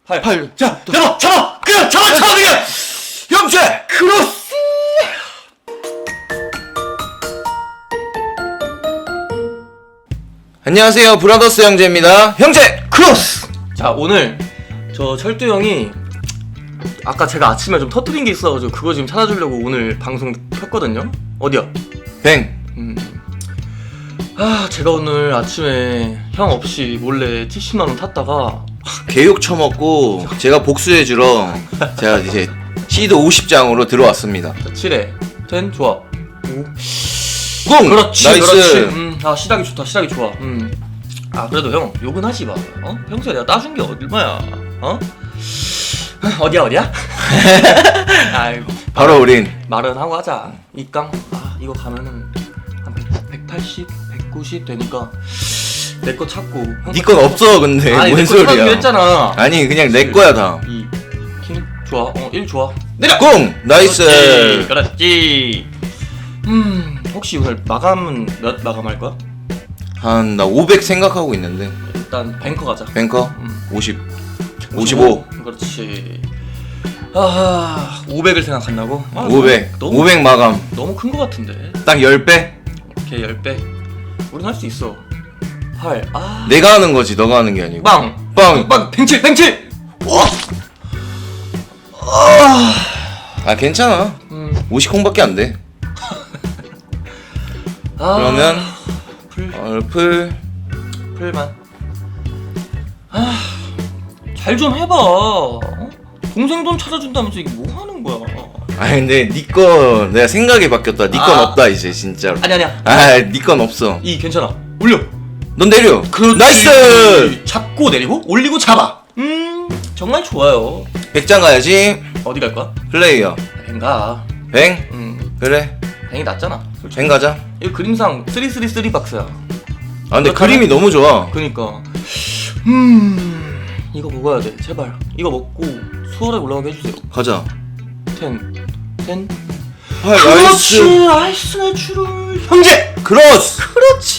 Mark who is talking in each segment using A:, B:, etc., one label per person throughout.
A: 8.
B: 자, 잡아! 그냥 잡아 그냥!
A: 형제!
B: 크로스!
A: 안녕하세요, 브라더스 형제입니다. 형제!
B: 크로스! 자, 오늘 저 철두 형이 아까 제가 아침에 좀 터뜨린 게 있어가지고 그거 지금 찾아주려고 오늘 방송 켰거든요? 어디야?
A: 뱅!
B: 제가 오늘 아침에 형 없이 몰래 70만원 탔다가
A: 개욕 처먹고 제가 복수해주러 제가 이제 시드 50장으로 들어왔습니다.
B: 자, 7에 10 좋아. 5
A: 공!
B: 그렇지
A: 나이스!
B: 그렇지. 시작이 좋다 시작이 좋아. 그래도 형 욕은 하지 마. 평소에 내가 따준 게 얼마야? 어디야? 아이고
A: 바로 우린
B: 말은 하고 하자. 입강 이거 가면은 한 180, 190 되니까 내 거 찾고
A: 니 건 없어. 근데
B: 아니
A: 뭔
B: 내 거 찾아주기로
A: 소리야.
B: 했잖아.
A: 아니 그냥 내 거야 다.
B: 2 킹 좋아. 1 좋아. 내려.
A: 공! 나이스!
B: 그렇지. 혹시 오늘 마감은 몇 마감할 거야?
A: 한 나 500 생각하고 있는데.
B: 일단 뱅커 가자.
A: 뱅커? 50 55
B: 그렇지. 500을 생각한다고?
A: 500
B: 너무
A: 500 마감.
B: 너무 큰 거 같은데.
A: 딱 10배?
B: 오케이 10배. 우린 할 수 있어. 8
A: 내가 하는 거지 너가 하는 게 아니고.
B: 빵!
A: 빵!
B: 빵! 팽칠! 와!
A: 아 괜찮아. 50콩밖에 안 돼. 그러면
B: 풀만. 잘 좀 해봐. 동생 돈 찾아준다면서 이게 뭐 하는 거야?
A: 아니 근데 니 거 내가 생각이 바뀌었다. 니 건 없다 이제 진짜로.
B: 아니야.
A: 니 건 없어.
B: 괜찮아. 올려.
A: 넌 내려.
B: 그렇지.
A: 나이스.
B: 잡고 내리고 올리고 잡아. 정말 좋아요.
A: 100장 가야지.
B: 어디 갈 거야?
A: 플레이어.
B: 뱅 가.
A: 뱅? 그래.
B: 뱅이 낫잖아. 솔직히.
A: 뱅 가자.
B: 이 그림상 333 박스야.
A: 아 근데
B: 그렇다면-
A: 그림이 너무 좋아.
B: 그니까. 이거 먹어야 돼. 제발. 이거 먹고 수월하게 올라가게 해주세요.
A: 가자.
B: 10.
A: 아, 나이스.
B: 나이스 내추럴. 형제.
A: 크로스.
B: 그렇지.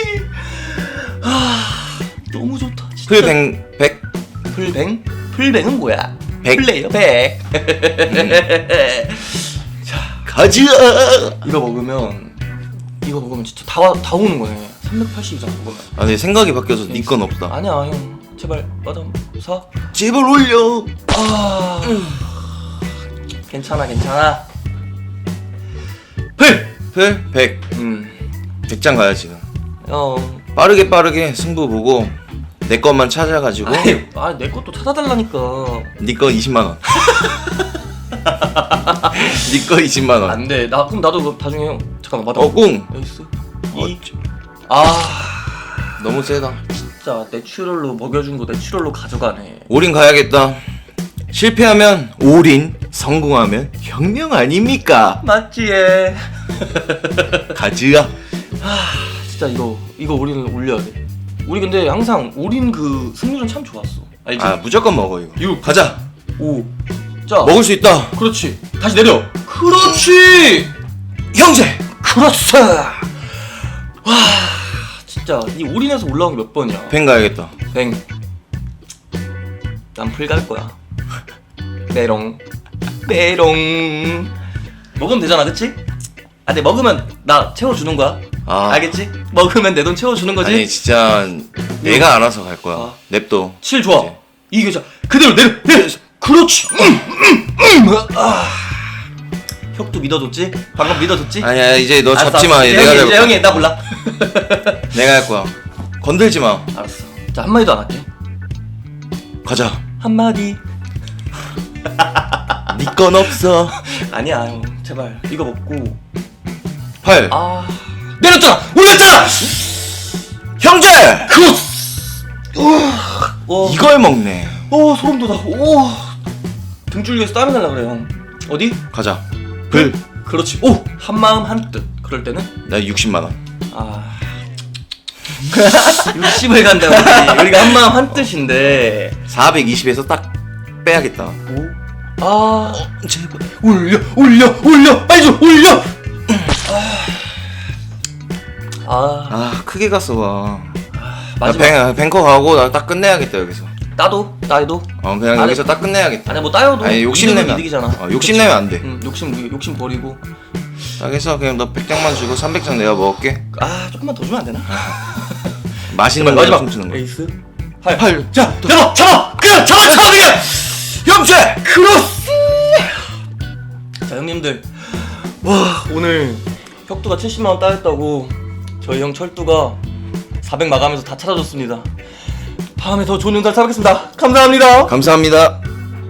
B: 너무 좋다. 진짜.
A: 풀뱅 100.
B: 풀뱅? 풀뱅은 뭐야?
A: 100.
B: 플레이어 100.
A: 가자.
B: 이거 먹으면 진짜 다 오는 거네. 380 이상 먹으면.
A: 아 근데 생각이 바뀌어서 니 건 없다.
B: 아니야 형. 제발 마담 사.
A: 제발 올려.
B: 괜찮아.
A: 풀 100. 100장 가야지.
B: 형.
A: 빠르게 승부 보고 내 것만 찾아가지고
B: 내 것도 찾아달라니까.
A: 니 거 20만 원. 니 거 20만 원.
B: 안돼. 그럼 나도 나중에 형. 잠깐만 마담.
A: 공.
B: 에이스.
A: 너무 세다.
B: 진짜 내추럴로 먹여준 거 내추럴로 가져가네.
A: 올인 가야겠다. 실패하면 올인, 성공하면 혁명 아닙니까?
B: 맞지 얘.
A: 가즈야.
B: 진짜 이거 우리는 올려야 돼. 우리 근데 항상 올인 그 승률은 참 좋았어. 알지?
A: 무조건 먹어 이거.
B: 6
A: 가자.
B: 5 자.
A: 먹을 수 있다.
B: 그렇지. 다시 내려. 그렇지.
A: 형제.
B: 그렇지. 와 진짜 이 올인에서 올라온 게 몇 번이야?
A: 뱅 가야겠다.
B: 뱅. 난 풀 갈 거야. 메롱. 먹으면 되잖아, 그치? 근데 먹으면 나 채워주는 거야. 알겠지? 먹으면 내 돈 채워주는 거지?
A: 아니 진짜 내가 알아서 갈 거야. 냅둬.
B: 7 좋아.
A: 이제.
B: 이게 자 그대로 내려. 그렇지. 혁도 믿어줬지? 방금 믿어줬지?
A: 아니야 이제 너
B: 알았어,
A: 잡지 마.
B: 알았어.
A: 내가
B: 이제
A: 잡을 거야.
B: 형이 나 몰라.
A: 내가 할 거야. 건들지 마.
B: 알았어. 자 한마디도 안 할게.
A: 가자.
B: 한마디.
A: 니 건 없어.
B: 아니야 형 제발 이거 먹고
A: 8.
B: 내렸잖아. 올렸잖아.
A: 형제.
B: 크로스.
A: 이걸 먹네.
B: 소름 돋아. 등줄기에서 땀이 날라 그래 형. 어디?
A: 가자. 불.
B: 그렇지. 한마음 한뜻. 그럴 때는
A: 나 60만 원.
B: 60을 간다 우리가 한마음 한뜻인데
A: 420에서 딱 빼야겠다.
B: 제발 올려 빨리 좀 올려.
A: 크게 갔어 봐.
B: 마지막
A: 뱅커 가고 나 딱 끝내야겠다 여기서.
B: 따도 따도.
A: 그냥
B: 아니,
A: 여기서 딱 끝내야겠다.
B: 아니 뭐 따여도
A: 아니 욕심내면
B: 이득이잖아.
A: 욕심내면 안 돼.
B: 욕심 버리고.
A: 딱 해서 그냥 너 100장만 주고 300장 내가 먹을게.
B: 아 조금만 더 주면 안 되나?
A: 맛있는 거 춤추는 거.
B: 에이스.
A: 팔.
B: 자 잡아 그냥 잡아 그냥.
A: 형제.
B: 크로스. 자 형님들, 와 오늘 혁두가 70만 원 따였다고 저희 형 철두가 400 마감해서 다 찾아줬습니다. 다음에 더 좋은 영상 찾아뵙겠습니다. 감사합니다.
A: 감사합니다.